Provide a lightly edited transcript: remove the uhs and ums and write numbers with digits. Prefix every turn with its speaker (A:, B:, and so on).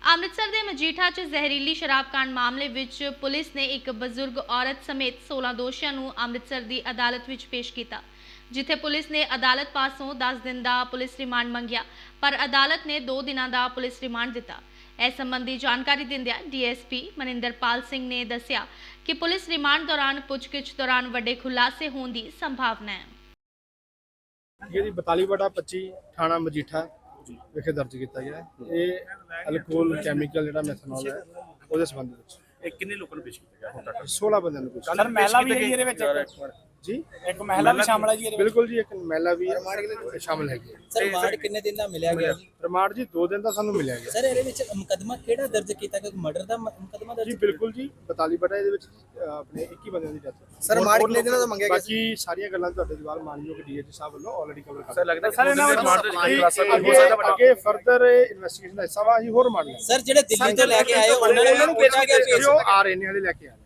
A: ਅੰਮ੍ਰਿਤਸਰ ਦੇ ਮਜੀਠਾ 'ਚ ਜ਼ਹਿਰੀਲੀ ਸ਼ਰਾਬ ਕਾਂਡ ਮਾਮਲੇ ਵਿੱਚ ਪੁਲਿਸ ਨੇ ਇੱਕ ਬਜ਼ੁਰਗ ਔਰਤ ਸਮੇਤ 16 ਦੋਸ਼ੀਆਂ ਨੂੰ ਅੰਮ੍ਰਿਤਸਰ ਦੀ ਅਦਾਲਤ ਵਿੱਚ ਪੇਸ਼ ਕੀਤਾ, ਜਿੱਥੇ ਪੁਲਿਸ ਨੇ ਅਦਾਲਤ ਪਾਸੋਂ 10 ਦਿਨ ਦਾ ਪੁਲਿਸ ਰਿਮਾਂਡ ਮੰਗਿਆ, ਪਰ ਅਦਾਲਤ ਨੇ 2 ਦਿਨਾਂ ਦਾ ਪੁਲਿਸ ਰਿਮਾਂਡ ਦਿੱਤਾ। ਇਸ ਸੰਬੰਧੀ ਜਾਣਕਾਰੀ ਦਿੰਦਿਆਂ ਡੀਐਸਪੀ ਮਨਿੰਦਰਪਾਲ ਸਿੰਘ ਨੇ ਦੱਸਿਆ ਕਿ ਪੁਲਿਸ ਰਿਮਾਂਡ ਦੌਰਾਨ ਪੁੱਛਗਿੱਛ ਦੌਰਾਨ ਵੱਡੇ ਖੁਲਾਸੇ ਹੋਣ ਦੀ ਸੰਭਾਵਨਾ ਹੈ।
B: ਜਿਹੜੀ 42/25 ਥਾਣਾ ਮਜੀਠਾ ਵਿਖੇ ਦਰਜ ਕੀਤਾ ਗਿਆ ਹੈ। ਇਹ ਅਲਕੋਹਲ ਕੈਮੀਕਲ ਜਿਹੜਾ ਮੈਥਨੋਲ ਹੈ ਉਹਦੇ ਸੰਬੰਧ ਵਿੱਚ
C: ਇਹ ਕਿੰਨੇ ਲੋਕਾਂ ਨੂੰ ਪੇਸ਼ ਕੀਤਾ ਗਿਆ ਹੁਣ ਤੱਕ?
B: 16 ਬੰਦਿਆਂ ਨੂੰ
C: ਸਰ ਮਹਿਲਾ ਵੀ ਹੈ ਜੀ ਇਹਦੇ ਵਿੱਚ?
B: ਜੀ
C: ਇੱਕ ਮਹਿਲਾ ਵੀ ਸ਼ਾਮਲ ਹੈ ਜੀ ਇਹਦੇ ਵਿੱਚ?
B: ਬਿਲਕੁਲ ਜੀ, ਇੱਕ ਮਹਿਲਾ ਵੀ ਸ਼ਾਮਲ ਹੈਗੀ ਹੈ।
D: ਸਰ ਰਿਮਾਂਡ ਕਿੰਨੇ ਦਿਨ ਦਾ ਮਿਲਿਆ ਗਿਆ ਜੀ?
B: ਰਿਮਾਂਡ ਜੀ 2 ਦਿਨ ਦਾ ਸਾਨੂੰ ਮਿਲਿਆ ਗਿਆ
D: ਸਰ ਇਹਦੇ ਵਿੱਚ ਮੁਕੱਦਮਾ ਕਿਹੜਾ ਦਰਜ ਕੀਤਾ ਗਿਆ? ਮਰਡਰ ਦਾ ਮੁਕੱਦਮਾ
B: ਜੀ।
D: ਦਰਜ?
B: ਬਿਲਕੁਲ ਜੀ, 42 ਇਹਦੇ ਵਿੱਚ ਆਪਣੇ 21 ਬੰਦਿਆਂ ਦੀ ਡੈਥ।
D: ਸਰ ਰਿਮਾਂਡ ਕਿੰਨੇ ਦਿਨਾਂ ਦਾ ਮੰਗਿਆ ਗਿਆ?
B: ਬਾਕੀ ਸਾਰੀਆਂ ਗੱਲਾਂ ਤੁਹਾਡੇ ਜਵਾਬ ਮਾਨਯੋਗ ਡੀਏਜੀ ਸਾਹਿਬ ਵੱਲੋਂ ਆਲਰੇਡੀ ਕਵਰ ਕਰ
C: ਸਰ ਲੱਗਦਾ
B: ਸਰ
C: ਇਹਨਾਂ ਵਿੱਚ
B: ਅੱਗੇ ਫਰਦਰ ਇਨਵੈਸਟੀਗੇਸ਼ਨ ਦਾ ਹਿੱਸਾ ਵਾ, ਅਸੀਂ ਹੋਰ ਮੰਨ ਲਿਆ।
D: ਸਰ ਜਿਹੜੇ ਦਿੱਲੀ ਤੋਂ ਲੈ ਕੇ ਆਏ ਉਹਨਾਂ ਨੂੰ ਕਿਹਾ ਗਿਆ
B: ਜੋ ਆ ਰਹੇ ਨੇ ਹਲੇ ਲੈ ਕੇ ਆ ਰਹੇ।